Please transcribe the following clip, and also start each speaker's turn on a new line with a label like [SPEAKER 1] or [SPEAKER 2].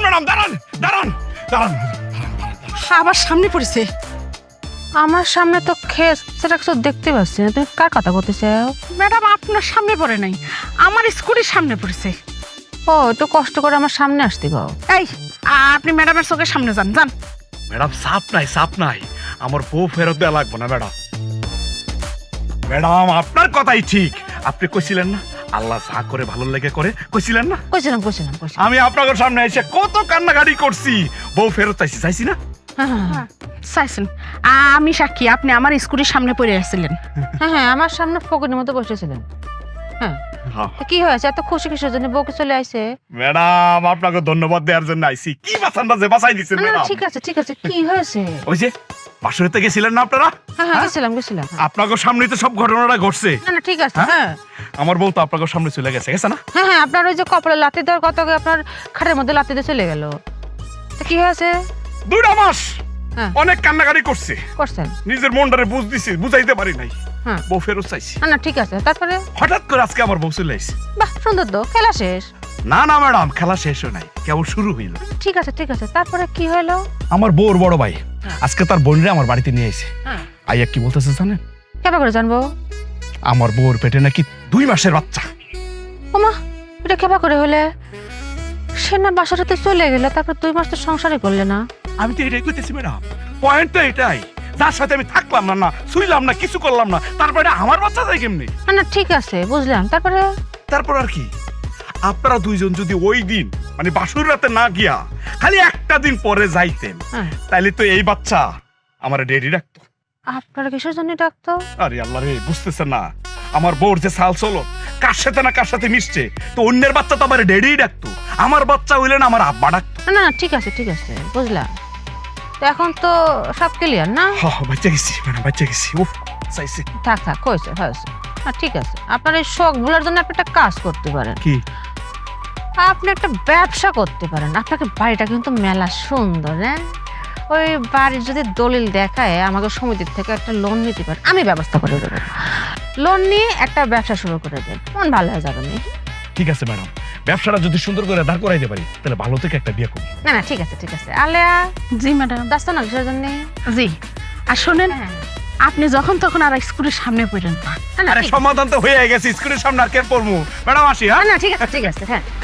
[SPEAKER 1] Madam দাঁড়ান দাঁড়ান দাঁড়ান।
[SPEAKER 2] আবার সামনে পড়েছে।
[SPEAKER 3] আমার সামনে তো খেস সেটা কিছু দেখতে পাচ্ছি না, তুমি কার কথা বলতেছো?
[SPEAKER 2] ম্যাডাম আপনার সামনে পড়ে নাই, আমার স্কুটির সামনে পড়েছে।
[SPEAKER 3] ও একটু কষ্ট করে আমার সামনে আসতে গাও।
[SPEAKER 2] এই আপনি ম্যাডামের চোখের সামনে যান যান।
[SPEAKER 1] ম্যাডাম সাপ নাই আমার বউ ফেরত দেওয়া লাগবে না ম্যাডাম। ম্যাডাম আপনার কথাই ঠিক, আপনি কইছিলেন না আল্লাহ যা করে ভালো লেগে করে, কইছিলেন না?
[SPEAKER 3] কইছিলাম।
[SPEAKER 1] আমি আপনাদের সামনে এসে কত কান্নাকাটি করছি, বউ ফেরত চাইছি না?
[SPEAKER 3] হ্যাঁ
[SPEAKER 2] চাইছেন, আমি সাক্ষী, আপনি আমার স্কুটির সামনে পড়ে আসছিলেন।
[SPEAKER 3] হ্যাঁ আমার সামনে ফকিনের মতো বসেছিলেন। হ্যাঁ তো কি হয়েছে? এত খুশি কিসের জন্য? বউকে চলে আইছে।
[SPEAKER 1] ম্যাডাম আপনাকে ধন্যবাদ দেওয়ার জন্য আইছি। কি বাঁচানটা যে বাঁচাই দিচ্ছেন ম্যাডাম।
[SPEAKER 3] ঠিক আছে কি হয়েছে?
[SPEAKER 1] ওই যে বাসুরেতে গেছিলেন না আপনারা?
[SPEAKER 3] হ্যাঁ গেছিলাম।
[SPEAKER 1] আপনাকে সামনেই তো সব ঘটনাটা ঘটছে।
[SPEAKER 3] না ঠিক আছে। হ্যাঁ
[SPEAKER 1] আমার বউ তো আপনাকে সামনে চলে গেছে না?
[SPEAKER 3] হ্যাঁ আপনার ওই যে কপালে লাথি দেওয়ার কথা, আপনার খাটের মধ্যে লাথি দিয়ে চলে গেল। তো কি হয়েছে?
[SPEAKER 1] 2 মাস
[SPEAKER 3] হ্যাঁ
[SPEAKER 1] অনেক কান্নাকাটি করছে,
[SPEAKER 3] করছেন।
[SPEAKER 1] নিজের মনটারে বুঝাইতে পারি নাই।
[SPEAKER 3] হ্যাঁ
[SPEAKER 1] বউ ফেরত চাইছি।
[SPEAKER 3] না ঠিক আছে। তারপরে
[SPEAKER 1] হঠাৎ করে আজকে আমার বউ চলে আইছে।
[SPEAKER 3] বাহ সুন্দর তো, খেলা শেষ।
[SPEAKER 1] না ম্যাডাম, খেলা শেষ হয় নাই, কেবল শুরু হইল।
[SPEAKER 3] ঠিক আছে তারপরে কি হলো?
[SPEAKER 1] আমার বউর বড় ভাই আজকে তার বোনরে আমার বাড়িতে নিয়ে আইছে।
[SPEAKER 3] হ্যাঁ
[SPEAKER 1] আইয়া কি বলতেছে জানেন?
[SPEAKER 3] কেমন করে জানবো?
[SPEAKER 1] আমার বউর পেটে নাকি 2 মাসের বাচ্চা।
[SPEAKER 3] ওমা, এটা কেবা করে হলে? সে না বাসাটাতে চলে গেলে, তারপর 2 মাস তো সংসারই করলে না।
[SPEAKER 1] আমি তো এটাই কইতেছি ম্যাডাম, পয়েন্ট তো এটাই, যার সাথে আমি থাকলাম না, শুইলাম না, কিছু করলাম না, তারপরে আমার বাচ্চা যায় কেমনি?
[SPEAKER 3] না ঠিক আছে বুঝলাম।
[SPEAKER 1] তারপর আর কি, আপনারা 2জন যদি ওই দিন মানে বাসুর রাতে না গিয়া খালি একটা দিন পরে যাইতেন,
[SPEAKER 3] হ্যাঁ।
[SPEAKER 1] তাইলে তো এই বাচ্চা আমার ডেডি রাখতো।
[SPEAKER 3] আপনারা কিসের জন্য ডাকতো?
[SPEAKER 1] আরে আল্লাহ রে, বুঝতেছেন না আমার বউর যে সাল চলো কার সাথে মিশছে, তো অন্যের বাচ্চা তো আমার ডেডি ডাকতো, আমার বাচ্চা হইলে না আমার আব্বা ডাকতো।
[SPEAKER 3] না ঠিক আছে বুঝলাম। তো এখন তো সব ক্লিয়ার না?
[SPEAKER 1] বাচ্চা গেছি ম্যাডাম, বাচ্চা গেছি। উফ চাইছে।
[SPEAKER 3] থাক হয়েছে। ঠিক আছে, আপনার এই শখ গুলোর জন্য আপনি একটা কাজ করতে পারেন।
[SPEAKER 1] কি?
[SPEAKER 3] আপনি একটা ব্যবসা করতে পারেন। আপনাকে বাড়িটা কিন্তু মেলা সুন্দর। হ্যাঁ, ওই বাড়ির যদি দলিল দেখায় আমাকে সমিতির থেকে একটা লোন নিতে পারেন, আমি ব্যবস্থা করে দেবো। লোন নিয়ে একটা ব্যবসা শুরু করে দেন, মন ভালো হয়ে যাবে।
[SPEAKER 1] ঠিক আছে ম্যাডাম, ব্যবসাটা যদি সুন্দর করে দাঁড় করাইতে পারি তাহলে ভালো থেকে একটা বিয়ে করব।
[SPEAKER 3] না ঠিক আছে আলেয়া।
[SPEAKER 2] জি ম্যাডাম।
[SPEAKER 3] ব্যস্ত না কিসের জন্য?
[SPEAKER 2] জি, আর শোনেন, আপনি যখন তখন আর স্কুটির সামনে পড়েন না।
[SPEAKER 1] আরে সমাধান তো হয়ে গেছে, স্কুলের সামনে আর কে পড়বো ম্যাডাম? আসি। হ্যাঁ
[SPEAKER 3] না ঠিক আছে হ্যাঁ।